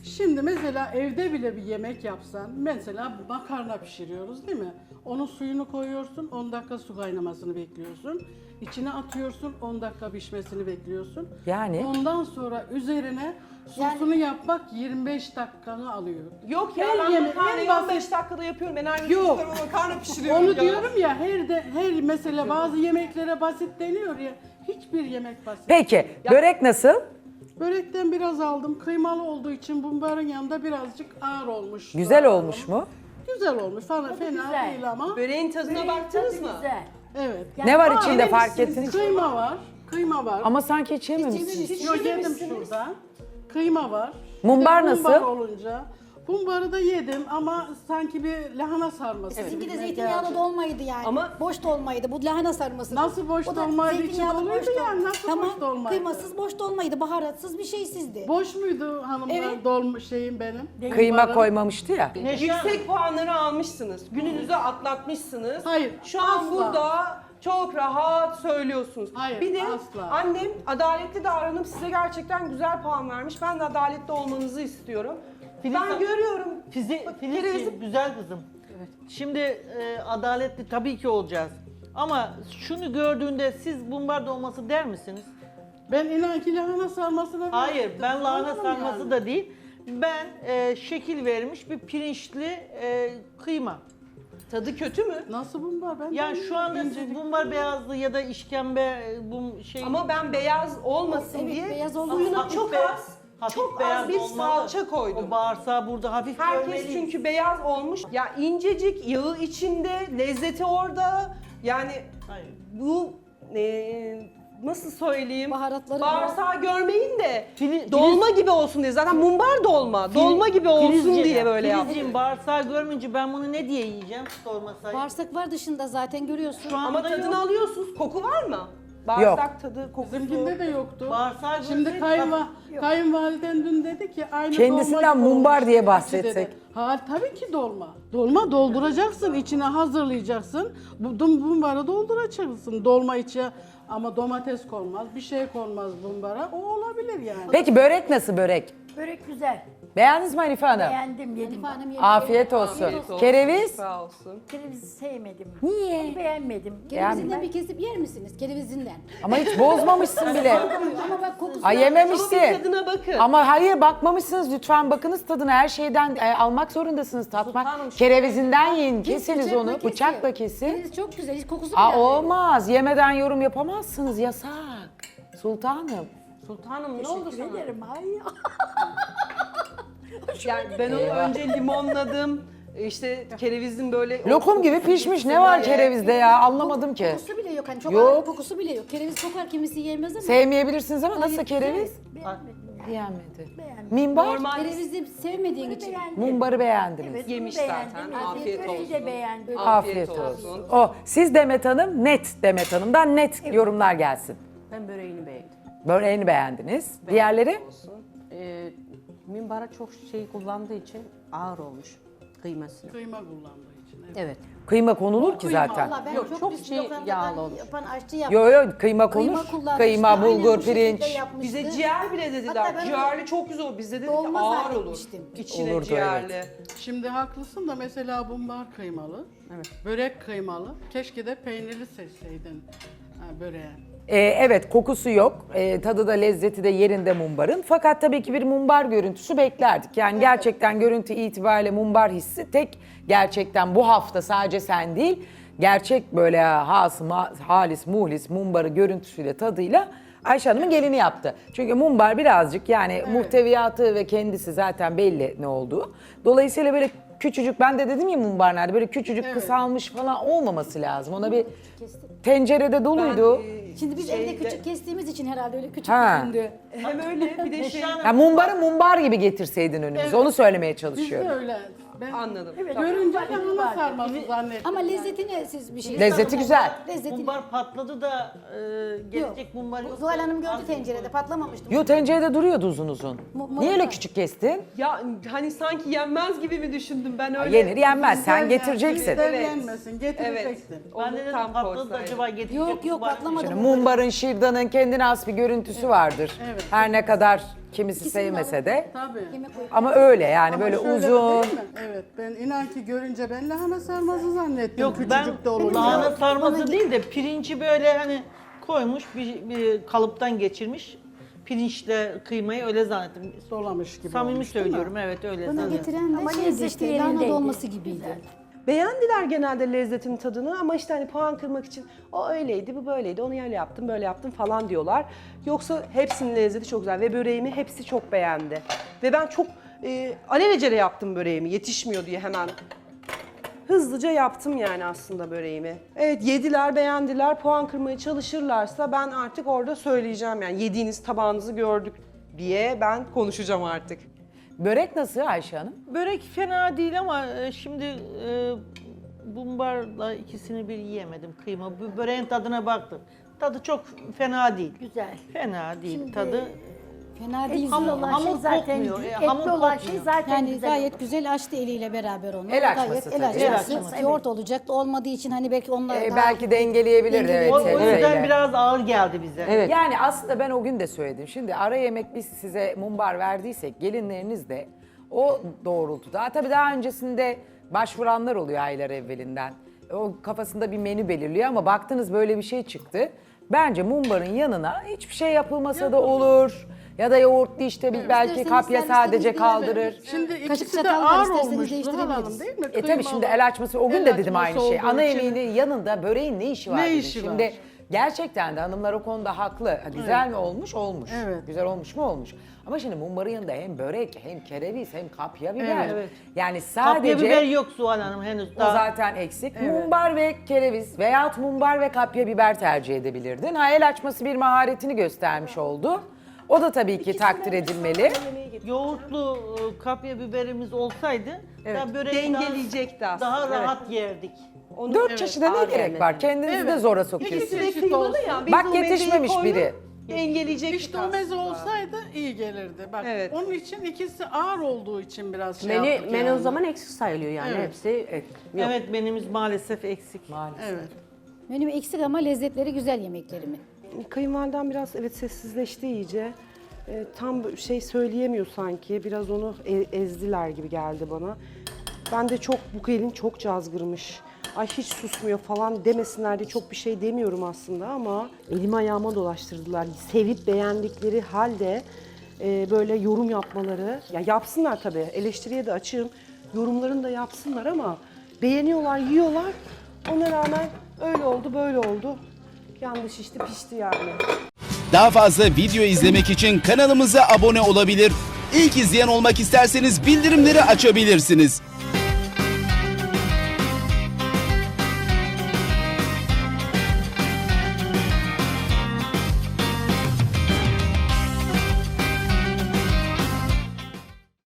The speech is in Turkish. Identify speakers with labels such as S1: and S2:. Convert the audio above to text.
S1: Şimdi mesela evde bile bir yemek yapsan, mesela makarna pişiriyoruz değil mi? Onun suyunu koyuyorsun, 10 dakika su kaynamasını bekliyorsun. İçine atıyorsun, 10 dakika pişmesini bekliyorsun.
S2: Yani?
S1: Ondan sonra üzerine sosunu yapmak 25 dakikanı alıyor.
S3: Yok ya
S1: Her
S3: ben
S1: yemek-
S3: makarnayı
S1: en
S3: 15
S1: basit-
S3: dakikada yapıyorum. Enerji
S1: Yok.
S3: çocuklarıma makarna pişiriyorum
S1: Onu
S3: ya.
S1: diyorum ya, her mesela bazı yemeklere basit deniyor ya, hiçbir yemek basit.
S2: Peki börek nasıl?
S1: Börekten biraz aldım. Kıymalı olduğu için bunların yanında birazcık ağır olmuş.
S2: Güzel olmuş mu?
S1: Güzel olmuş. Fena
S4: güzel.
S1: değil ama.
S3: Böreğin tadına baktınız mı?
S4: Güzel.
S1: Evet.
S2: Ne var
S4: Aa,
S2: içinde fark ettiniz?
S1: Kıyma var. Kıyma var.
S2: Ama sanki hiç yememişsiniz.
S1: Yok, yedim şurada. Kıyma var.
S2: Mumbar
S1: Bir de
S2: nasıl?
S1: Mumbar olunca. Mumbarı da yedim ama sanki bir lahana sarması.
S5: Sizinki de
S1: gibime
S5: zeytinyağlı
S1: geldi.
S5: dolmaydı yani.
S3: Ama-
S5: boş dolmaydı. Bu lahana sarması.
S1: Nasıl boş
S5: O da
S1: dolmaydı?
S5: zeytinyağlı
S1: İçi
S5: boş
S1: doluydu
S5: dolma.
S1: yani. Nasıl
S5: tamam,
S1: boş dolmaydı?
S5: kıymasız boş dolmaydı. Baharatsız bir şeysizdi.
S1: Boş muydu hanımlar
S5: Evet.
S1: dolmuş şeyim benim?
S2: Kıyma
S1: Mumbarın.
S2: koymamıştı ya.
S3: Yüksek puanları almışsınız. Gününüzü atlatmışsınız.
S1: Hayır,
S3: Şu an
S1: asla.
S3: burada çok rahat söylüyorsunuz.
S1: Hayır,
S3: bir de
S1: asla.
S3: annem adaletli davranıp size gerçekten güzel puan vermiş. Ben de adaletli olmanızı istiyorum. Ben görüyorum.
S6: Filizciğim, güzel kızım. Şimdi adaletli tabii ki olacağız. Ama şunu gördüğünde siz bumbar dolması der misiniz?
S1: Ben inan ki lahana sarmasına
S6: Hayır,
S1: verdim.
S6: ben lahana
S1: Anladım
S6: sarması
S1: yani.
S6: da değil. Ben şekil vermiş bir pirinçli kıyma.
S3: Tadı kötü mü?
S1: Nasıl mumbar? Ben
S6: Yani şu anda siz
S1: incecik-
S6: bumbar beyazlı ya da işkembe şey...
S3: Ama ben beyaz olmasın
S5: Evet,
S3: diye
S5: beyaz olmasın.
S3: suyuna
S6: Hafif
S3: çok
S6: be-
S3: az,
S6: hafif
S3: çok
S6: beyaz
S3: az bir
S6: olmalı.
S3: salça koydum.
S6: O bağırsağı burada hafif
S3: Herkes
S6: görmeliyiz.
S3: çünkü beyaz olmuş. Ya incecik, yağı içinde, lezzeti orada. Yani
S6: Hayır.
S3: bu nasıl söyleyeyim?
S5: Baharatları
S3: Bağırsağı görmeyin de
S6: Fili-
S3: dolma gibi olsun diye. Zaten mumbar dolma. Dolma gibi olsun
S6: Filizciğim,
S3: diye böyle yaptım.
S6: Filizciğim, bağırsağı görmeyince ben bunu ne diye yiyeceğim sormasaydım.
S5: Bağırsak var dışında zaten görüyorsun.
S6: Şu an-
S3: Ama
S6: Anda
S3: tadını
S6: yok.
S3: alıyorsunuz. Koku var mı? Bağırsak tadı, kokusu.
S1: Bizimkinde de yoktu.
S6: Bağırsağı
S1: Şimdi
S6: görseydik-
S1: kayınvaliden dün dedi ki aynı
S2: Kendisinden
S1: dolma gibi
S2: mumbar
S1: olmuş
S2: diye
S1: içi
S2: bahsetsek.
S1: dedi. Ha tabii ki dolma. Dolma dolduracaksın, içine hazırlayacaksın. Bu mumbarı dolduracaksın dolma içi. Ama domates konmaz, bir şey konmaz bumbara. O olabilir yani.
S2: Peki börek nasıl börek?
S4: Börek güzel.
S2: Beğendiniz mi Hanife Hanım?
S4: Beğendim, yedim.
S5: Elif Hanım yedi.
S2: Afiyet olsun. Kereviz?
S3: Sağ olsun.
S4: Kerevizi sevmedim.
S2: Niye?
S4: Beğenmedim.
S5: Kerevizinden bir kesip yer misiniz? Kerevizinden.
S2: Ama hiç bozmamışsın bile.
S5: Ama bak kokusu.
S2: Ay
S3: Ama
S2: yememişsin.
S3: bir tadına bakın.
S2: Ama hayır bakmamışsınız, lütfen bakınız tadına, her şeyden almak zorundasınız, tatmak.
S3: Sultanım, şu-
S2: Kerevizinden yiyin,
S5: Kes,
S2: kesiniz
S5: bıçakla
S2: onu,
S5: kesiyor.
S2: bıçakla kesin.
S5: Kereviz çok güzel. Hiç kokusu bile
S2: Aa
S5: yok.
S2: olmaz, yemeden yorum yapamazsınız, yasak. Sultanım.
S3: Sultanım ne oldu
S4: Teşekkür
S3: sana?
S4: ederim. Ay.
S3: Yani ben onu önce limonladım. İşte kerevizin böyle...
S2: Lokum gibi pişmiş, ne var kerevizde ya, anlamadım ki.
S5: Kokusu bile yok. Hani çok
S2: Yok.
S5: ağır kokusu bile yok. Kereviz kokar kimisi yemez ama.
S2: Sevmeyebilirsiniz ama nasıl
S5: Hayır,
S2: kereviz?
S4: Beğenmedim.
S2: Beğenmedi.
S4: Beğenmedim.
S2: Minbar?
S3: Normal
S5: Kerevizi sevmediğin için.
S4: Beğendim.
S2: Mumbarı beğendiniz.
S4: Evet,
S3: Yemiş
S4: bunu
S3: zaten.
S4: beğendim.
S3: Afiyet
S4: Böreği
S3: olsun.
S4: de beğendim.
S2: Afiyet olsun. O, siz Demet Hanım, net Demet Hanım'dan net yorumlar gelsin.
S7: Ben böreğini beğendim.
S2: Böreğini beğendiniz. Diğerleri?
S7: Minbara çok şey kullandığı için ağır olmuş kıyması.
S1: Kıyma kullandığı için. Evet.
S7: Evet.
S2: Kıyma konulur ki zaten.
S5: Vallahi ben
S7: Yok,
S5: çok,
S7: çok
S5: biz
S7: şey
S5: lokantadan
S7: yağlı olmuş.
S5: yapan aşçı yaptım.
S2: Yo yo kıyma konur.
S5: Kıyma kullanmıştı.
S2: Kıyma,
S5: Aynen
S2: bulgur,
S5: bu şekilde
S2: pirinç.
S5: yapmıştı.
S3: Bize ciğer bile dediler.
S5: Hatta ben
S3: Ciğerli çok güzel olur. Biz de dedik ki
S5: dolma
S3: ağır olur.
S5: zannetmiştim.
S3: İçine
S2: Olurdu,
S3: ciğerli.
S1: Şimdi haklısın da mesela bumbar kıymalı, börek kıymalı. Keşke de peynirli seçseydin böreğe.
S2: Evet kokusu yok. Tadı da lezzeti de yerinde mumbarın. Fakat tabii ki bir mumbar görüntüsü beklerdik. Yani gerçekten görüntü itibariyle mumbar hissi tek gerçekten bu hafta sadece sen değil. Gerçek böyle halis muhlis mumbarı görüntüsüyle tadıyla Ayşe Hanım'ın gelini yaptı. Çünkü mumbar birazcık yani muhteviyatı ve kendisi zaten belli ne olduğu. Dolayısıyla böyle küçücük, ben de dedim ya mumbar nerede, böyle küçücük kısalmış falan olmaması lazım. Ona bir tencerede doluydu.
S5: Şimdi biz evde küçük kestiğimiz için herhalde öyle küçük
S2: Ha.
S5: göründü.
S3: Hem öyle bir de şey...
S2: Ya mumbarı mumbar gibi getirseydin önümüze.
S1: Evet.
S2: Onu söylemeye
S1: Biz
S2: çalışıyorum.
S1: de öyle. Ben
S3: Anladım.
S1: görünce lahana sarması zannettim.
S5: Ama lezzetini siz bir şey
S2: Lezzeti güzel.
S5: Lezzetini.
S6: Mumbar patladı da gelecek mumbar yok.
S5: Zuhal Hanım gördü tencerede patlamamıştı.
S2: Yo tencerede duruyordu uzun uzun. Niye öyle küçük kestin?
S3: Ya hani sanki yenmez gibi mi düşündüm ben öyle?
S2: Yenir yenmez, sen
S1: Bizden
S2: getireceksin.
S1: bizden
S3: Evet.
S1: yenmesin, getireceksin.
S6: Ben de dedim
S3: tam
S6: patladı da
S3: koysaydım.
S6: acaba getirecek
S5: Yok yok
S6: mumbar mı?
S5: patlamadı.
S2: Şimdi mumbarın, şırdanın kendine has bir görüntüsü vardır.
S1: Evet.
S2: Her ne kadar kimisi
S5: İkisini
S2: sevmese de.
S1: Tabii.
S5: Yemek koyup
S2: Ama öyle yani
S1: Ama
S2: böyle
S1: şöyle
S2: uzun.
S1: değil mi? Evet, ben inan ki görünce ben lahana sarması zannettim.
S6: Yok
S1: Küçücük de
S6: ben
S1: olunca.
S6: lahana sarması değil de pirinci böyle hani koymuş bir kalıptan geçirmiş. Pirinçle kıymayı öyle zannettim.
S1: Dolamış gibi
S6: Samimi
S1: olmuş, değil mi?
S6: söylüyorum evet öyle
S5: bana
S6: zannettim.
S5: getiren
S4: Ama
S5: de şeydi
S4: lezzeti
S5: işte lahana
S4: yerindeydi.
S5: dolması gibiydi.
S4: Güzel.
S3: Beğendiler genelde lezzetin tadını ama işte hani puan kırmak için o öyleydi, bu böyleydi, onu öyle yaptım, böyle yaptım falan diyorlar. Yoksa hepsinin lezzeti çok güzel ve böreğimi hepsi çok beğendi. Ve ben çok alelacele yaptım böreğimi, yetişmiyor diye hemen. Hızlıca yaptım yani aslında böreğimi. Evet yediler, beğendiler, puan kırmaya çalışırlarsa ben artık orada söyleyeceğim yani yediğiniz tabağınızı gördük diye ben konuşacağım artık.
S2: Börek nasıl Ayşe Hanım?
S6: Börek fena değil ama şimdi bumbarla ikisini bir yiyemedim kıyma. Bu böreğin tadına baktım. Tadı çok fena değil.
S4: Güzel.
S6: Fena değil
S4: Şimdi
S6: tadı.
S5: Fena değil.
S4: Etli olan
S6: hamur
S4: şey zaten
S6: kokmuyor,
S4: etli
S6: hamur
S4: olan şey
S6: kokmuyor.
S4: zaten
S5: Yani
S4: güzel.
S5: gayet güzel açtı eliyle beraber onu.
S2: El açması
S5: Gayet
S2: tabii.
S5: el
S6: El
S5: açması.
S6: açması,
S5: Yoğurt olacak olmadığı için hani belki onlar daha...
S2: Belki dengeleyebilirdi evet
S6: O yüzden
S2: sebzeyle.
S6: biraz ağır geldi bize.
S7: Evet.
S2: Yani aslında ben o gün de söyledim. Şimdi ara yemek biz size mumbar verdiysek gelinleriniz de o doğrultuda. Tabii daha öncesinde başvuranlar oluyor aylar evvelinden. O kafasında bir menü belirliyor ama baktınız böyle bir şey çıktı. Bence mumbarın yanına hiçbir şey yapılmasa da olur. Ya da yoğurtlu işte belki
S5: İsterseniz
S2: kapya sadece
S5: servislerinizi
S2: kaldırır.
S1: Şimdi
S5: Kaşık
S1: ikisi de
S5: çatal var,
S1: ağır
S5: isterseniz
S1: olmuş Zuhal Hanım
S5: değiştirebiliriz.
S1: değil mi?
S2: Tabii şimdi
S1: Kıymalı.
S2: el açması o gün
S1: El
S2: de dedim
S1: açması
S2: aynı şey.
S1: olduğu
S2: Ana
S1: için.
S2: yemeğinin yanında böreğin ne işi var
S1: Ne
S2: dedim.
S1: işi
S2: Şimdi
S1: var?
S2: gerçekten de hanımlar o konuda haklı. Ha, güzel mi olmuş? Olmuş.
S1: Evet.
S2: Güzel olmuş mu? Olmuş. Ama şimdi mumbarın yanında hem börek hem kereviz hem kapya biber.
S1: Evet.
S2: Yani
S6: Kapya biber
S2: sadece
S6: yok Zuhal Hanım henüz
S2: o
S6: daha.
S2: zaten eksik. Mumbar ve kereviz veyahut mumbar ve kapya biber tercih edebilirdin. Ha, el açması bir maharetini göstermiş oldu. O da tabii ki takdir edilmeli.
S6: Yoğurtlu kapya biberimiz olsaydı da böreği
S3: Dengeleyecekti aslında.
S6: daha
S3: Evet.
S6: rahat yerdik.
S3: Onu,
S2: 4 çeşide ne
S3: ağır
S2: gerek
S3: gelmedi.
S2: var? Kendinizi de zora sokuyorsunuz.
S1: İkisi
S3: Ve
S1: eşit
S3: kıymalı
S1: olsun.
S3: ya. biz
S2: Bak
S3: o mezeyi
S2: yetişmemiş
S3: koyduk,
S2: biri.
S3: Dengeleyecektik
S1: İşte o
S3: aslında.
S1: meze olsaydı iyi gelirdi. Bak
S3: Evet.
S1: onun için ikisi ağır olduğu için biraz şey
S7: Menü,
S1: yaptık
S7: menü
S1: yani.
S7: o zaman eksik sayılıyor yani
S1: Evet.
S7: hepsi. Yok.
S6: Evet menümüz maalesef eksik.
S2: Maalesef.
S1: Evet.
S5: Menü eksik ama lezzetleri güzel yemeklerimin.
S3: Kayınvaliden biraz evet sessizleşti iyice. Tam şey söyleyemiyor sanki. Biraz onu ezdiler gibi geldi bana. Ben de çok bu gelin çok cazgırmış. Ay hiç susmuyor falan demesinler diye çok bir şey demiyorum aslında ama elimi ayağıma dolaştırdılar. Sevip beğendikleri halde böyle yorum yapmaları. Ya yapsınlar tabii. Eleştiriye de açığım. Yorumlarını da yapsınlar ama beğeniyorlar, yiyorlar. Ona rağmen öyle oldu, böyle oldu. Yanlış işte pişti yani.
S8: Daha fazla video izlemek için kanalımıza abone olabilir. İlk izleyen olmak isterseniz bildirimleri açabilirsiniz.